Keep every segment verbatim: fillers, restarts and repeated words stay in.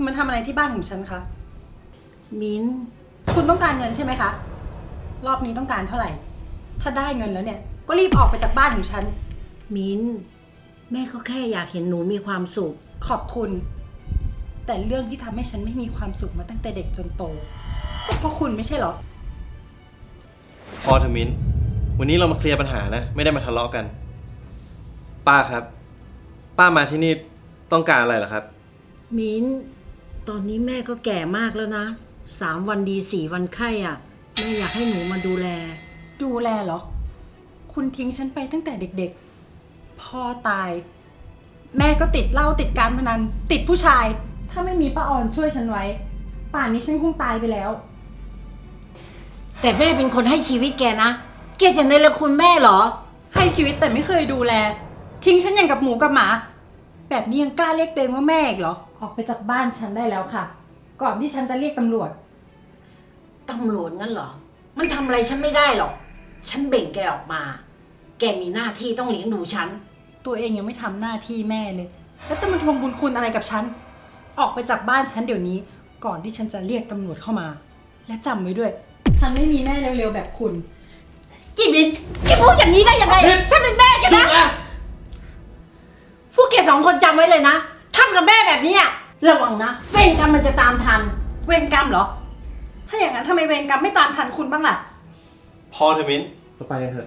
คุณมาทำอะไรที่บ้านของฉันคะมิ้นคุณต้องการเงินใช่ไหมคะ รอบนี้ต้องการเท่าไหร่ ถ้าได้เงินแล้วเนี่ย ก็รีบออกไปจากบ้านของฉันมิ้น แม่ก็แค่อยากเห็นหนูมีความสุขขอบคุณ แต่เรื่องที่ทำให้ฉันไม่มีความสุขมาตั้งแต่เด็กจนโตก็เพราะคุณไม่ใช่เหรอพอเถอะมิ้น วันนี้เรามาเคลียร์ปัญหานะ ไม่ได้มาทะเลาะกัน ป้าครับ ป้ามาที่นี่ต้องการอะไรเหรอครับมิ้น ตอนนี้แม่ก็แก่มากแล้วนะ สามวันดีสี่วันไข้อ่ะ แม่อยากให้หนูมาดูแลดูแลเหรอ คุณทิ้งฉันไปตั้งแต่เด็กๆ พ่อตาย แม่ก็ติดเหล้าติดการพนัน ติดผู้ชาย ถ้าไม่มีป้าออนช่วยฉันไว้ ป่านนี้ฉันคงตายไปแล้วแต่แม่เป็นคนให้ชีวิตแกนะ แกจะในละคุณแม่เหรอให้ชีวิตแต่ไม่เคยดูแล ทิ้งฉันอย่างกับหมูกับหมา แบบนี้ยังกล้าเรียกตัวเองว่าแม่อีกเหรอ ออกไปจากบ้านฉันได้แล้วค่ะ ก่อนที่ฉันจะเรียกตำรวจตำรวจงั้นเหรอ มันทำอะไรฉันไม่ได้หรอก ฉันเบ่งแกออกมา แกมีหน้าที่ต้องเลี้ยงดูฉันตัวเองยังไม่ทำหน้าที่แม่เลย แล้วจะมาทวงบุญคุณอะไรกับฉัน ออกไปจากบ้านฉันเดี๋ยวนี้ ก่อนที่ฉันจะเรียกตำรวจเข้ามา และจำไว้ด้วย ฉันไม่มีแม่เร็วๆแบบคุณจิบินแกพูดอย่างนี้ได้ยังไง ฉันเป็นแม่แกนะ พวกแกสองคนจำไว้เลยนะทำกับแม่แบบนี้อะระวังนะ เวรกรรมมันจะตามทันเวรกรรมเหรอ ถ้าอย่างนั้นทำไมเวรกรรมไม่ตามทันคุณบ้างล่ะพอเถอะมิ้น เราไปกันเถอะ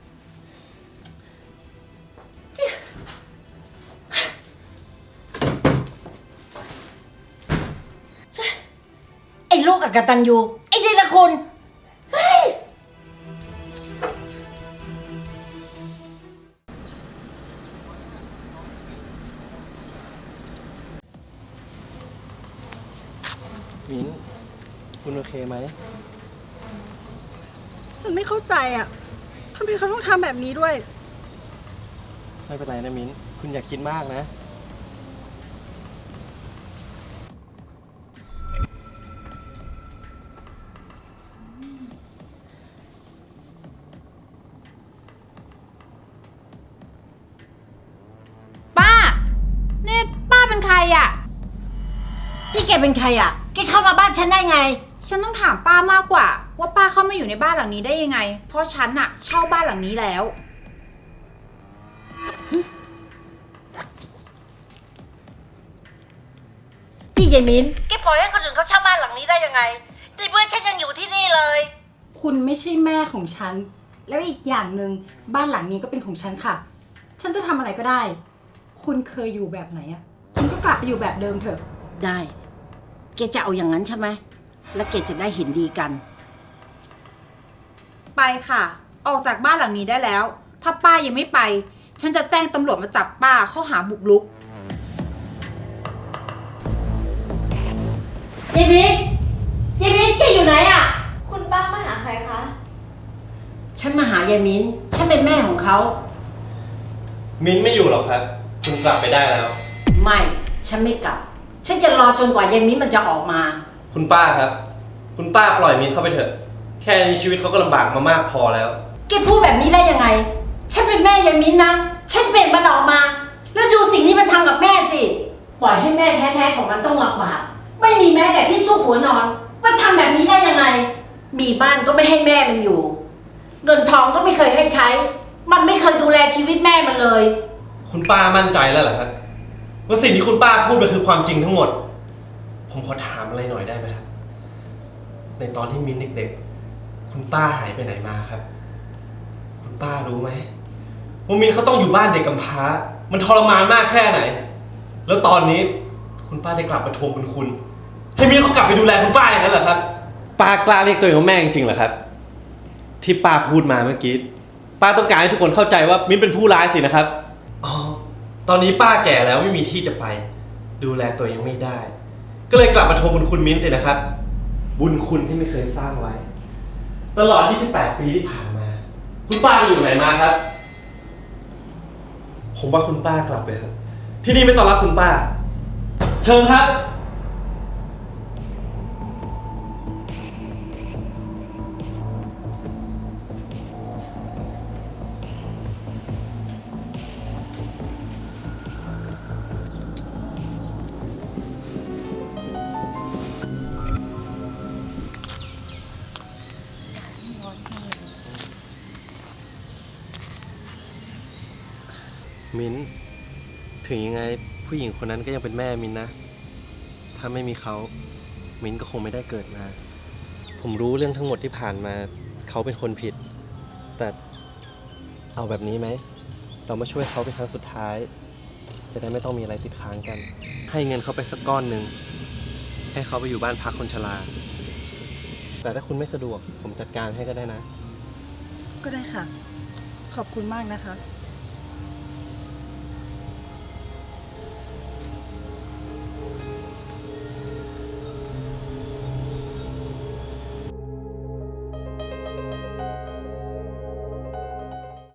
ไอ้ลูกอกตัญญูไอ้เดรัจฉานเฮ้ยมิ้น คุณโอเคไหมฉันไม่เข้าใจอ่ะทำไมเขาต้องทำแบบนี้ด้วยไม่เป็นไรนะมิ้น คุณอย่าคิดมากนะป้า เนี่ยป้าเป็นใครอ่ะนี่แกเป็นใครอ่ะ แกเข้ามาบ้านฉันได้ไงฉันต้องถามป้ามากกว่า ว่าป้าเข้ามาอยู่ในบ้านหลังนี้ได้ยังไง เพราะฉันอะเช่าบ้านหลังนี้แล้วพี่ยายมิ้นแกปล่อยให้คนอื่นเขาเช่าบ้านหลังนี้ได้ยังไงในเมื่อฉันยังอยู่ที่นี่เลยคุณไม่ใช่แม่ของฉัน แล้วอีกอย่างหนึ่งบ้านหลังนี้ก็เป็นของฉันค่ะ ฉันจะทำอะไรก็ได้ คุณเคยอยู่แบบไหนอ่ะ คุณก็กลับไปอยู่แบบเดิมเถอะได้ แกจะเอาอย่างนั้นใช่ไหม แล้วแกจะได้เห็นดีกันไปค่ะ ออกจากบ้านหลังนี้ได้แล้ว ถ้าป้ายังไม่ไป ฉันจะแจ้งตำรวจมาจับป้าข้อหาบุกรุกยายมิ้นยายมิ้นแกอยู่ไหนอ่ะคุณป้ามาหาใครคะฉันมาหายายมิ้น ฉันเป็นแม่ของเขามิ้นไม่อยู่หรอกครับ คุณกลับไปได้แล้วไม่ ฉันไม่กลับ ฉันจะรอจนกว่ายายมิ้นมันจะออกมาคุณป้าครับ คุณป้าปล่อยมิ้นเข้าไปเถอะ แค่นี้ชีวิตเขาก็ลำบากมามากพอแล้วแกพูดแบบนี้ได้ยังไง ฉันเป็นแม่ยายมิ้นนะ ฉันเป็นมันออกมา แล้วดูสิ่งที่มันทำกับแม่สิ ปล่อยให้แม่แท้ๆของมันต้องลำบาก ไม่มีแม้แต่ที่สู้หัวนอน มันทำแบบนี้ได้ยังไง มีบ้านก็ไม่ให้แม่มันอยู่ เงินทองก็ไม่เคยให้ใช้ มันไม่เคยดูแลชีวิตแม่มันเลยคุณป้ามั่นใจแล้วเหรอครับว่าสิ่งที่คุณป้าพูดมันคือความจริงทั้งหมด ผมขอถามอะไรหน่อยได้ไหมครับ ในตอนที่มิ้นเด็กๆ คุณป้าหายไปไหนมาครับ คุณป้ารู้ไหมว่ามิ้นเขาต้องอยู่บ้านเด็กกำพร้า มันทรมานมากแค่ไหน แล้วตอนนี้คุณป้าจะกลับมาทวงบุญคุณ ให้มิ้นเขากลับไปดูแลคุณป้าอย่างนั้นเหรอครับ ป้ากล้าเรียกตัวเองว่าแม่จริงๆเหรอครับ ที่ป้าพูดมาเมื่อกี้ ป้าต้องการให้ทุกคนเข้าใจว่ามิ้นเป็นผู้ร้ายสินะครับ อ๋อ ตอนนี้ป้าแก่แล้วไม่มีที่จะไป ดูแลตัวเองไม่ได้ ก็เลยกลับมาทวงบุญคุณมิ้นสินะครับ บุญคุณที่ไม่เคยสร้างไว้ ตลอดยี่สิบแปดปีที่ผ่านมา คุณป้าไปอยู่ไหนมาครับ ผมว่าคุณป้ากลับไปเถอะที่นี่ไม่ต้อนรับคุณป้า เชิญครับมิ้น ถึงยังไงผู้หญิงคนนั้นก็ยังเป็นแม่มิ้นนะ ถ้าไม่มีเขา มิ้นก็คงไม่ได้เกิดมา ผมรู้เรื่องทั้งหมดที่ผ่านมา เขาเป็นคนผิด แต่เอาแบบนี้ไหม เรามาช่วยเขาเป็นครั้งสุดท้าย จะได้ไม่ต้องมีอะไรติดค้างกัน ให้เงินเขาไปสักก้อนหนึ่ง ให้เขาไปอยู่บ้านพักคนชรา แต่ถ้าคุณไม่สะดวก ผมจัดการให้ก็ได้นะก็ได้ค่ะ ขอบคุณมากนะคะ